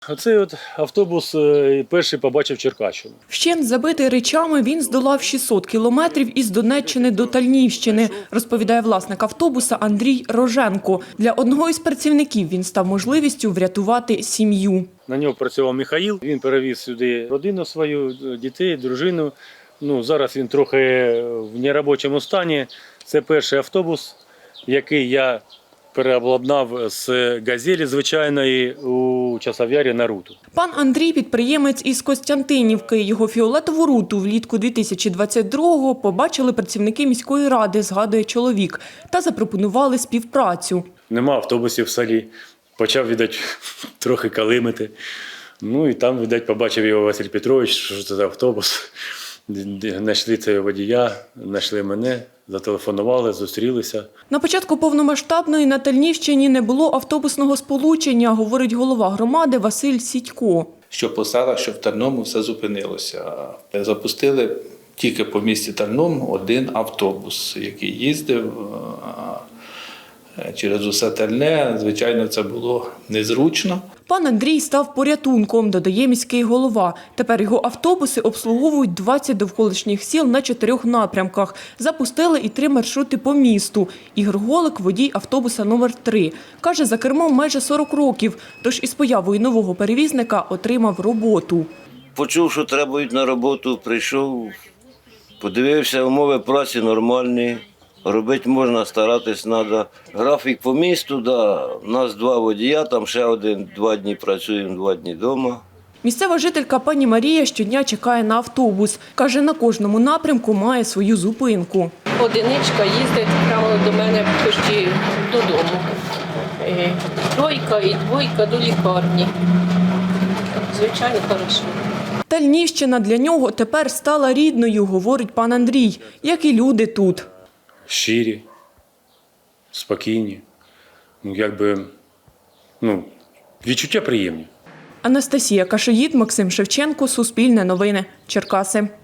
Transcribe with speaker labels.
Speaker 1: Оцей от автобус перший побачив Черкащину.
Speaker 2: Вщент забитий речами, він здолав 600 кілометрів із Донеччини до Тальнівщини, розповідає власник автобуса Андрій Роженко. Для одного із працівників він став можливістю врятувати сім'ю.
Speaker 1: На нього працював Михаїл, він перевіз сюди родину свою, дітей, дружину. Зараз він трохи в неробочому стані. Це перший автобус, який я переобладнав з «Газелі» звичайної у Часов'ярі на Руту.
Speaker 2: Пан Андрій – підприємець із Костянтинівки. Його фіолетову Руту влітку 2022-го побачили працівники міської ради, згадує чоловік, та запропонували співпрацю.
Speaker 1: Нема автобусів в селі. Почав, видать, трохи калимити. І там, видать, побачив його Василь Петрович, що це за автобус. Знайшли цього водія, знайшли мене, зателефонували, зустрілися.
Speaker 2: На початку повномасштабної на Тальнівщині не було автобусного сполучення, говорить голова громади Василь Сідько.
Speaker 3: Що по селах, що в Тарному все зупинилося. Запустили тільки по місті Тарном один автобус, який їздив через усе Тальне. Звичайно, це було незручно.
Speaker 2: Пан Андрій став порятунком, додає міський голова. Тепер його автобуси обслуговують 20 довколишніх сіл на 4 напрямках. Запустили і 3 маршрути по місту. Ігор Голик – водій автобуса номер 3. Каже, за кермом майже 40 років, тож із появою нового перевізника отримав роботу.
Speaker 4: Почув, що треба йти на роботу, прийшов, подивився, умови праці нормальні. Робити можна, старатись треба. Графік по місту, да. У нас 2 водія, там ще один, 2 дні працюємо, 2 дні вдома.
Speaker 2: Місцева жителька пані Марія щодня чекає на автобус. Каже, на кожному напрямку має свою зупинку.
Speaker 5: Одиничка їздить прямо до мене почти додому. Тройка і двойка до лікарні. Звичайно, хорошо.
Speaker 2: Тальнівщина для нього тепер стала рідною, говорить пан Андрій, як і люди тут.
Speaker 1: Щирі, спокійні, відчуття приємні.
Speaker 2: Анастасія Кашиїд, Максим Шевченко, Суспільне новини, Черкаси.